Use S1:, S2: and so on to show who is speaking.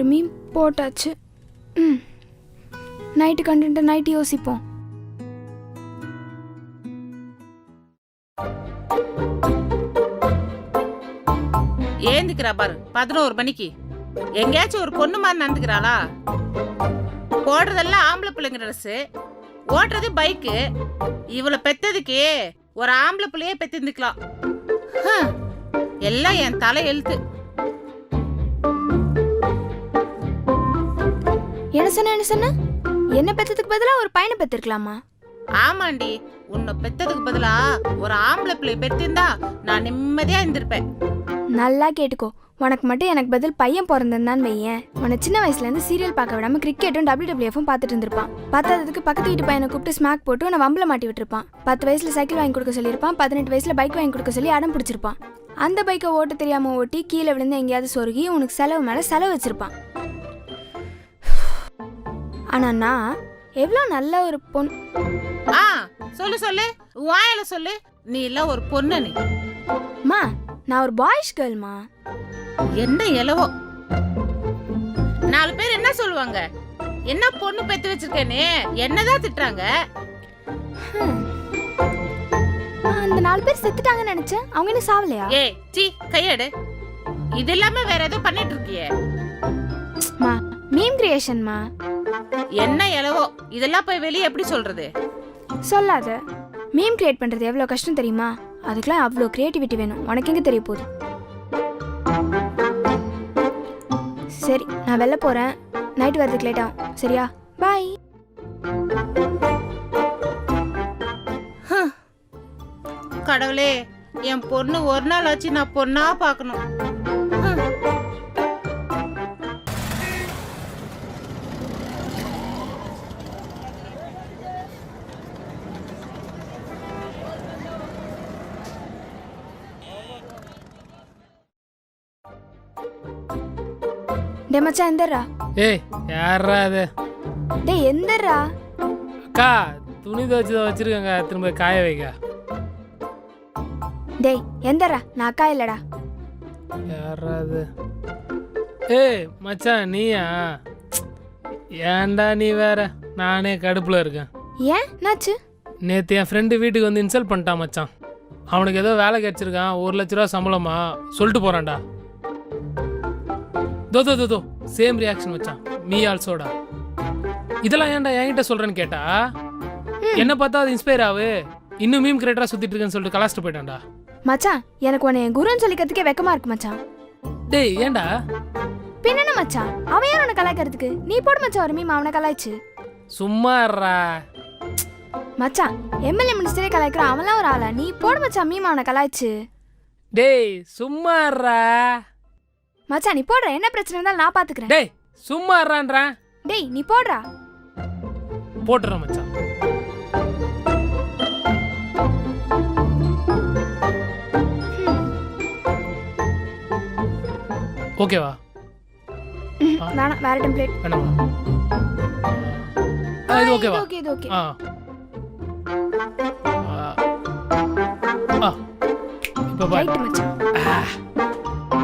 S1: மீன் போட்டாச்சு. நைட்டு கண்டென்ட்டை நைட்டு யோசிப்போம்.
S2: ஏந்துக்கிறா பாரு 11 மணிக்கு. எங்கேயாச்சும் ஒரு பொண்ணு மாதிரி நடந்துக்கிறாளா? போடுறதெல்லாம் ஆம்பளை பிள்ளைங்க ட்ரெஸ், ஓட்டுறது பைக்கு. இவளை பெத்ததுக்கு ஒரு ஆம்பளை பிள்ளையே பெத்திருந்துக்கலாம். எல்லாம் என் தலை எழுத்து.
S1: என்ன சொன்ன? என்ன பெத்ததுக்கு பதிலா ஒரு பையனை பெத்திருக்கலாமா?
S2: ஆமாண்டி, உன்னை பெத்ததுக்கு பதிலா ஒரு ஆம்பளை பிள்ளைய பெத்திருந்தா நான் நிம்மதியா இருந்திருப்பேன்.
S1: நல்லா கேட்டுக்கோ, உனக்கு மட்டும் எனக்கு பதில் பையன் பிறந்திருந்தான்னு வையேன், உன்னை சின்ன வயசுல இருந்து சீரியல் பார்க்க விடாம கிரிக்கெட்டும் WWFும் பார்த்துட்டு இருந்திருப்பான். பத்தாததுக்கு பக்கத்து வீட்டு பையனை கூப்பிட்டு ஸ்மாக் போட்டு உன்னை வம்பல மாட்டி விட்டுருப்பான். 10 வயசுல சைக்கிள் வாங்கி கொடுக்க சொல்லியிருப்பான். 18 வயசுல பைக் வாங்கி கொடுக்க சொல்லி அடம் பிடிச்சிருப்பான். அந்த பைக்கை ஓட்ட தெரியாம ஓட்டி கீழே விழுந்து எங்கேயாவது சொருகி உனக்கு செலவு மேல செலவு வச்சிருப்பான். ஆனா நான் எவ்வளோ நல்ல ஒரு பொண்ணு.
S2: சொல்லு வாயில சொல்லு. நீ எல்லாம் ஒரு பொண்ணு. நீ
S1: மா, நான் ஒரு பாய்ஸ் கேர்ள்மா.
S2: என்ன எலவோ 4 பேர் என்ன சொல்லுவாங்க? என்ன பொண்ணு பெத்து வச்சிருக்கேன்னு என்னதான் திட்டுறாங்க.
S1: அந்த 4 பேர் செத்துட்டாங்கன்னு நினைச்சேன். அவங்க என்ன சாவலையா?
S2: ஏய் சீ, கையெடு. இது இல்லாம வேற ஏதோ பண்ணிட்டு இருக்கியே.
S1: மா, மீம் கிரியேஷன்மா.
S2: என்ன எலவோ இதெல்லாம் போய் வெளியே எப்படி சொல்றது?
S1: சொல்லாத. மீம் கிரியேட் பண்றது எவ்வளவு கஷ்டம் தெரியுமா? அதுக்கெல்லாம் அவ்வளோ கிரியேட்டிவிட்டி வேணும். உனக்கு எங்க தெரிய போகுது? சரி, நான் வெளில போறேன். நைட் வரதுக்கு லேட் ஆகும். சரியா? பாய்.
S2: கடவுளே, என் பொண்ணு ஒரு நாள் ஆச்சு நான் பொண்ணா பார்க்கணும்.
S1: டே மச்சான், எந்தரா?
S3: ஏய், யாரா அது?
S1: டேய் எந்தரா?
S3: அக்கா, துணி துவைச்சு வச்சிருக்கங்க, திரும்ப காய வைக்க.
S1: டேய் எந்தரா? நான் அக்கா இல்லடா.
S3: யாரா அது? ஏய் மச்சான், நீயா? ஏன்டா நீ வேற? நானே கடுப்புல இருக்கேன்.
S1: ஏன் நாச்சு?
S3: நேற்று என் ஃப்ரெண்டு வீட்டுக்கு வந்து இன்சல்ட் பண்ணிட்டான் மச்சான். அவனுக்கு ஏதோ வேலை கிடைச்சிருக்கான், 1 லட்ச ரூபா சம்பளமா சொல்லிட்டு போறான்டா. தோ சேம் ரியாக்ஷன் மச்சான். மீ ஆல்சோடா. இதெல்லாம் ஏன்டா என்கிட்ட சொல்றேன்னு கேட்டா, என்ன பார்த்தா அது இன்ஸ்பயர் ஆகு, இன்னும் மீம் கிரியேட்டரா சுத்திட்டு இருக்கேன்னு சொல்லிட்டு கலாச்சிட்டு போயிட்டான்டா.
S1: மச்சான், எனக்கு உன்னை என் குருன்னு சொல்லிக்கிறதுக்கே வெக்கமா இருக்கு மச்சான்.
S3: டேய் ஏன்டா?
S1: பின்ன மச்சான், அவன் யார் உன்னை கலாய்க்கிறதுக்கு? நீ போடு மச்சான் ஒரு மீம் அவனை கலாய்ச்சு.
S3: சும்மா இருடா
S1: மச்சான், எம்எல்ஏ மினிஸ்டரே கலாய்க்கிறான், அவன்லாம் ஒரு ஆளா? நீ போடு மச்சான் மீம் அவனை கலாய்ச்சு.
S3: டேய் சும்மா இருடா
S1: மச்சான், நீ போடுற. என்ன பிரச்சனை இருந்தாலும் நான் பாத்துக்கிறேன்.
S3: டேய் சும்மா இருடா.
S1: டேய் நீ போடுறா.
S3: போட்டுறேன் மச்சான். ஓகேவா?
S1: வேணாம், வேற டெம்ப்ளேட்
S3: வேணாமா? இது ஓகேவா?
S1: ஓகே, இது ஓகே.
S3: இப்போ பாய்
S1: ரைட் மச்சான்.